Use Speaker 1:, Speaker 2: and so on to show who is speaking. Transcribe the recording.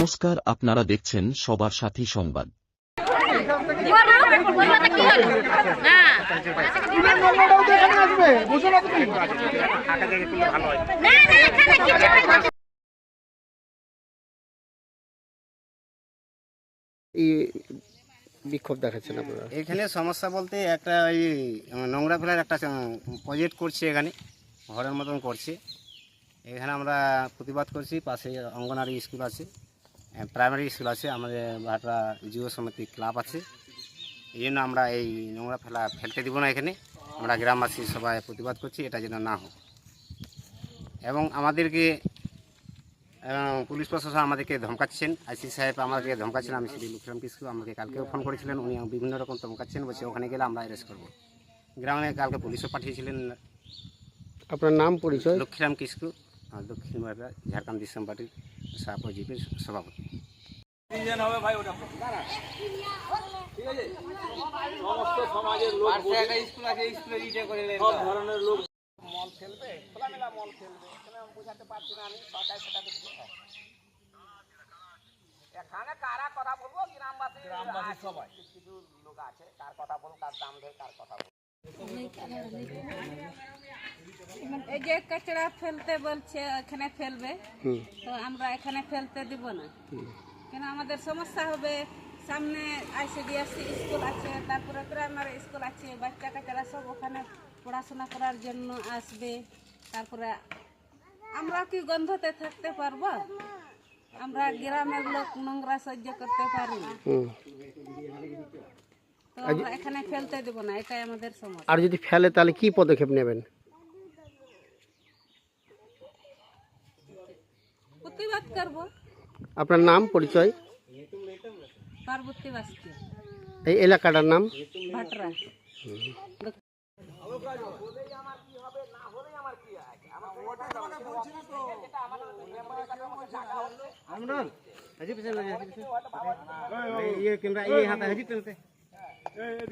Speaker 1: নমস্কার, আপনারা দেখছেন সবার সাথী সংবাদ।
Speaker 2: বিক্ষোভ দেখাচ্ছেন আপনারা?
Speaker 3: এখানে সমস্যা বলতে একটা ওই নোংরা ফেলার একটা প্রজেক্ট করছে, এখানে ঘরের মতন করছে। এখানে আমরা প্রতিবাদ করছি। পাশে অঙ্গনারী স্কুল আছে, প্রাইমারি স্কুল আছে, আমাদের ভাটরা যুব সমিতি ক্লাব আছে। এই জন্য আমরা এই নোংরা ফেলতে দিব না। এখানে আমরা গ্রামবাসী সবাই প্রতিবাদ করছি, এটা যেন না হোক। এবং আমাদেরকে পুলিশ প্রশাসন আমাদেরকে ধমকাচ্ছেন। আইসি সাহেব আমাদেরকে ধমকাচ্ছেন। আমি শ্রী লক্ষ্মীরাম কিস্কু আমাকে কালকেও ফোন করেছিলেন, উনি বিভিন্ন রকম ধমকাচ্ছেন, বলছে ওখানে গেলে আমরা অ্যারেস্ট করবো। গ্রামে কালকে পুলিশও পাঠিয়েছিলেন।
Speaker 2: আপনার নাম পরিচয়?
Speaker 3: লক্ষ্মীরাম কিস্কু, দক্ষিণ ভারত ঝাড়খণ্ড ডিসেম পার্টির সাপজিপির সভাপতি। মল ফেলবে, খোলামেলা মল ফেলবে, বুঝাতে পারছি না আমি। সরকার সেটা দেখবে। এখানে কারা কথা বলবো? গ্রামবাসী সবাই কিছু লোক আছে, কার কথা বলবো, কার দাম দেয়, কার কথা বলবো।
Speaker 4: এই যে কচরা ফেলতে বলছে এখানে ফেলবে, তো আমরা এখানে ফেলতে দিব না। কেন আমাদের সমস্যা হবে। সামনে আইসিডিএসসি স্কুল আছে, তারপরে প্রাইমারি স্কুল আছে, বাচ্চা কাচ্চারা সব ওখানে পড়াশোনা করার জন্য আসবে। তারপরে আমরা কি গন্ধতে থাকতে পারবো? আমরা গ্রামের লোক নোংরা সহ্য করতে পারি না, তো আমরা এখানে ফেলতে দেব না, এটাই আমাদের সমস্যা।
Speaker 2: আর যদি ফেলে তাহলে কি পদক্ষেপ নেবেন?
Speaker 4: প্রতিবাদ করব।
Speaker 2: আপনার নাম পরিচয়?
Speaker 4: পার্বতী বাস্কি,
Speaker 2: এই এলাকাটার নাম?
Speaker 4: ভাটরা।
Speaker 3: আমরা